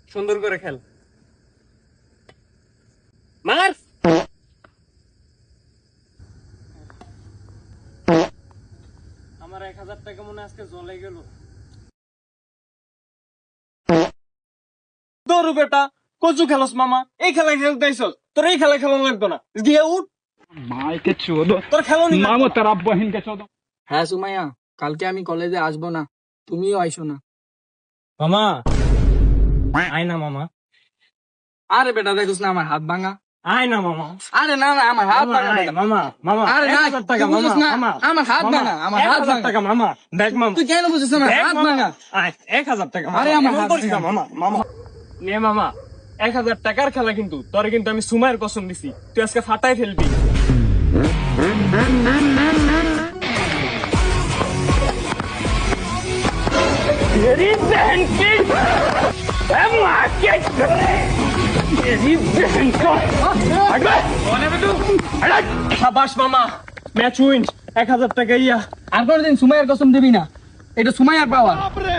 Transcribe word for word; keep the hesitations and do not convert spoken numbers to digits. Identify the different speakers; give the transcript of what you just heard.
Speaker 1: সুন্দর করে খেল। মার। আমার এক হাজার টাকা মনে আজকে জলে গেল। দৌড়ু বেটা, কচু খেলস মামা, এই খেলা খেলতে আইসস, তোর এই খেলা খেলা লাগতো না, গিয়ে উঠ।
Speaker 2: মাইকে চোদো,
Speaker 1: তোর খেলো নি
Speaker 2: মামো তোর বহিনকে চোদো।
Speaker 3: হ্যাঁ সুমাইয়া, কালকে আমি কলেজে আসবো না, তুমিও আইসো না।
Speaker 1: মামা আয় না মামা,
Speaker 3: আরে বেটা দেখোস না আমার হাত ভাঙা।
Speaker 1: আয় না মামা,
Speaker 3: আরে না না আমার হাত
Speaker 1: মামা,
Speaker 3: ভাঙা
Speaker 1: আয়,
Speaker 3: বেটা।
Speaker 1: মামা মামা
Speaker 3: আরে
Speaker 1: এক
Speaker 3: না
Speaker 1: হাজার টাকা
Speaker 3: তুই
Speaker 1: মামা,
Speaker 3: বুঝিস না,
Speaker 1: মামা
Speaker 3: আমার হাত
Speaker 1: মামা,
Speaker 3: ভাঙা, আমার
Speaker 1: এক
Speaker 3: হাত
Speaker 1: হাজার
Speaker 3: ভাঙা।
Speaker 1: টাকা মামা, দেখ মামা,
Speaker 3: তুই কেন বুঝিস না আমার
Speaker 1: দেখ
Speaker 3: হাত
Speaker 1: মামা,
Speaker 3: ভাঙা?
Speaker 1: আয়, এক হাজার টাকা মামা,
Speaker 3: আরে আমার
Speaker 1: এমন
Speaker 3: হাত
Speaker 1: করিস না
Speaker 3: ভাঙা।
Speaker 1: মামা, মামা নে মামা, এক হাজার টাকার খেলা কিন্তু তোর, কিন্তু আমি সুমায়ের কসম দিছি, তুই আজকে ফাটাই ফেলবি। तेरी बहन की माँ के तेरी बहन को हट गए। कौन है बे तू? हट। शाबाश मामा, मैच उइंस, এক হাজার টাকা ইয়া।
Speaker 3: আর কোনোদিন সুমাইয়ার কসম দিবি না, এটা সুমাইয়ার পাওয়ার।